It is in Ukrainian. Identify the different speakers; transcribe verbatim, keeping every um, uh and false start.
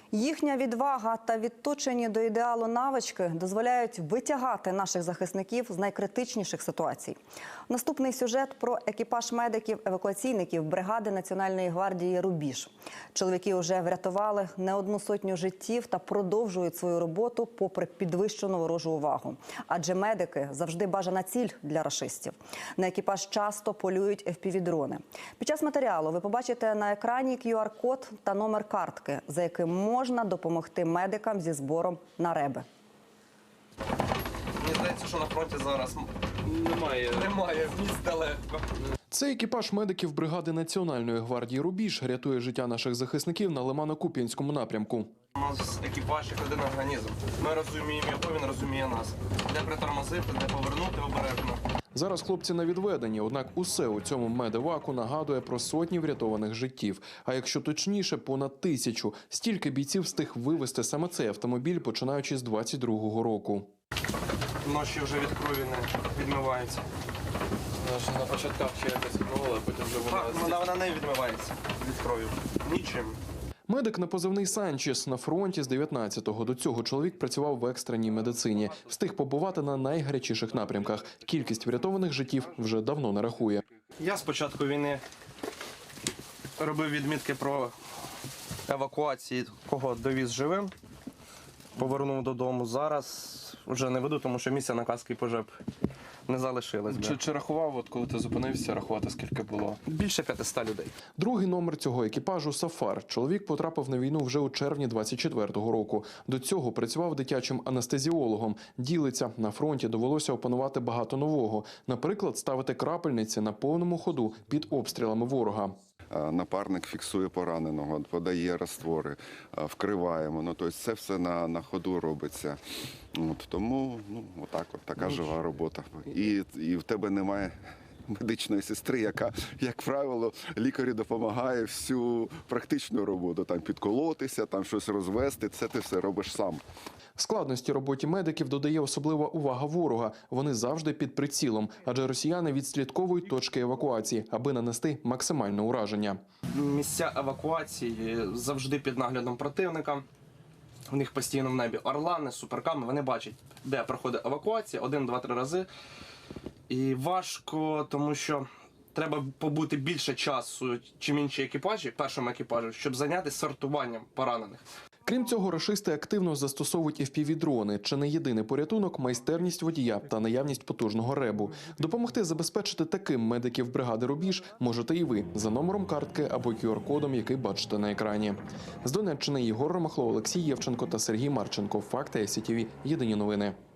Speaker 1: Їхня відвага та відточені до ідеалу навички дозволяють витягати наших захисників з найкритичніших ситуацій. Наступний сюжет про екіпаж медиків-евакуаційників бригади Національної гвардії «Рубіж». Чоловіки вже врятували не одну сотню життів та продовжують свою роботу попри підвищену ворожу увагу. Адже медики завжди бажана ціль для рашистів. На екіпаж часто полюють еф пі ві-дрони. Під час матеріалу ви побачите на екрані кю ар код та номер картки, за яким можна допомогти медикам зі збором на реби.
Speaker 2: Мені здається, що на фронті зараз немає, немає місць далеко.
Speaker 3: Це екіпаж медиків бригади Національної гвардії «Рубіж» рятує життя наших захисників на Лимано-Куп'янському напрямку.
Speaker 2: У нас екіпаж як один організм. Ми розуміємо його, він розуміє нас. Де притормозити, де повернути обережно.
Speaker 3: Зараз хлопці на відведенні, однак усе у цьому медеваку нагадує про сотні врятованих життів. А якщо точніше, понад тисячу. Стільки бійців встиг вивезти саме цей автомобіль, починаючи з двадцять другого року.
Speaker 2: Ноші вже від крові не відмиваються.
Speaker 4: На початках ще якось відмивала, а потім вже вона...
Speaker 2: Так, вона, вона не відмивається від крові. Нічим.
Speaker 3: Медик на позивний «Санчес» на фронті з дев'ятнадцятого. До цього чоловік працював в екстреній медицині. Встиг побувати на найгарячіших напрямках. Кількість врятованих життів вже давно не рахує.
Speaker 2: Я з початку війни робив відмітки про евакуації, кого довіз живим. Повернув додому. Зараз вже не веду, тому що місця на каски пожеб не залишилось.
Speaker 4: Чи, чи рахував, от коли ти зупинився, рахувати скільки було?
Speaker 2: Більше п'ятисот людей.
Speaker 3: Другий номер цього екіпажу – «Сафар». Чоловік потрапив на війну вже у червні двадцять четвертого року. До цього працював дитячим анестезіологом. Ділиться, на фронті довелося опанувати багато нового. Наприклад, ставити крапельниці на повному ходу під обстрілами ворога.
Speaker 5: Напарник фіксує пораненого, подає раствори, вкриваємо. Ну, тобто це все на, на ходу робиться. От, тому ну, отак, от, така жива робота. І, і в тебе немає медичної сестри, яка, як правило, лікарю допомагає всю практичну роботу. Там підколотися, там щось розвести, це ти все робиш сам.
Speaker 3: Складності роботі медиків додає особлива увага ворога. Вони завжди під прицілом, адже росіяни відслідковують точки евакуації, аби нанести максимальне ураження.
Speaker 2: Місця евакуації завжди під наглядом противника. У них постійно в небі орлани, суперками, вони бачать, де проходить евакуація, один, два, три рази. І важко, тому що треба побути більше часу, чим інші екіпажі, першому екіпажу, щоб зайнятися сортуванням поранених.
Speaker 3: Крім цього, рашисти активно застосовують еф пі ві-дрони. Чи не єдиний порятунок – майстерність водія та наявність потужного ребу. Допомогти забезпечити таким медиків бригади «Рубіж» можете і ви за номером картки або кю ар кодом, який бачите на екрані. З Донеччини Єгор Ромахло, Олексій Євченко та Сергій Марченко. Факти ай сі ті ві. Єдині новини.